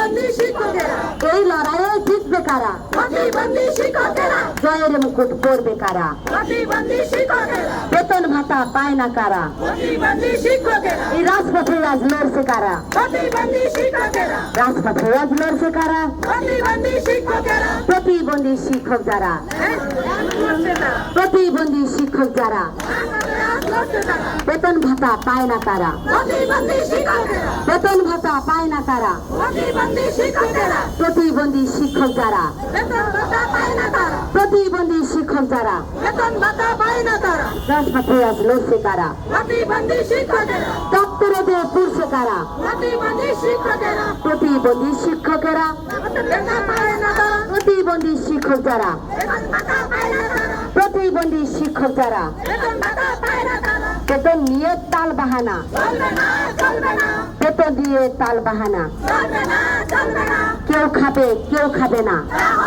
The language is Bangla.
প্রতিবন্ধী শিক্ষকেরা এই লড়াইয়ে জিতবে কারা? প্রতিবন্ধী শিক্ষকেরা জয়ের মুকুট পরবে কারা? প্রতিবন্ধী শিক্ষকেরা বেতন ভাতা পায় না কারা? প্রতিবন্ধী শিক্ষকেরা এই রাজপথে আজ লড়ছে কারা? প্রতিবন্ধী শিক্ষকেরা রাজপথে আজ লড়ছে কারা? প্রতিবন্ধী শিক্ষকেরা প্রতিবন্ধী শিক্ষক যারা, প্রতিবন্ধী শিক্ষক যারা বেতন ভাতা পায় না কারা? প্রতিবন্ধী শিক্ষকেরা বেতন ভাতা পায় না কারা? প্রতিবন্ধী শিক্ষকেরা প্রতিবন্ধী শিক্ষক যারা, বেতন ভাতা পায় না তারা প্রতিবন্ধী শিক্ষক যারা বেতন ভাতা পায় না তারা রাজপথে আজ লড়ছে কারা? প্রতিবন্ধী শিক্ষকেরা দপ্তরে যে পুরছে কারা? প্রতিবন্ধী শিক্ষকেরা প্রতিবন্ধী শিক্ষকেরা, বেতন পায় না তারা প্রতিবন্ধী শিক্ষক যারা, বেতন ভাতা পায় না তারা প্রতিবন্ধী শিক্ষক যারা বেতন ভাতা পায় না তারা বেতন নিয়ে তাল বাহানা, চলবে না চলবে না বেতন দিয়ে তাল বাহানা, চলবে না চলবে না কেউ খাবে কেউ খাবে না, তা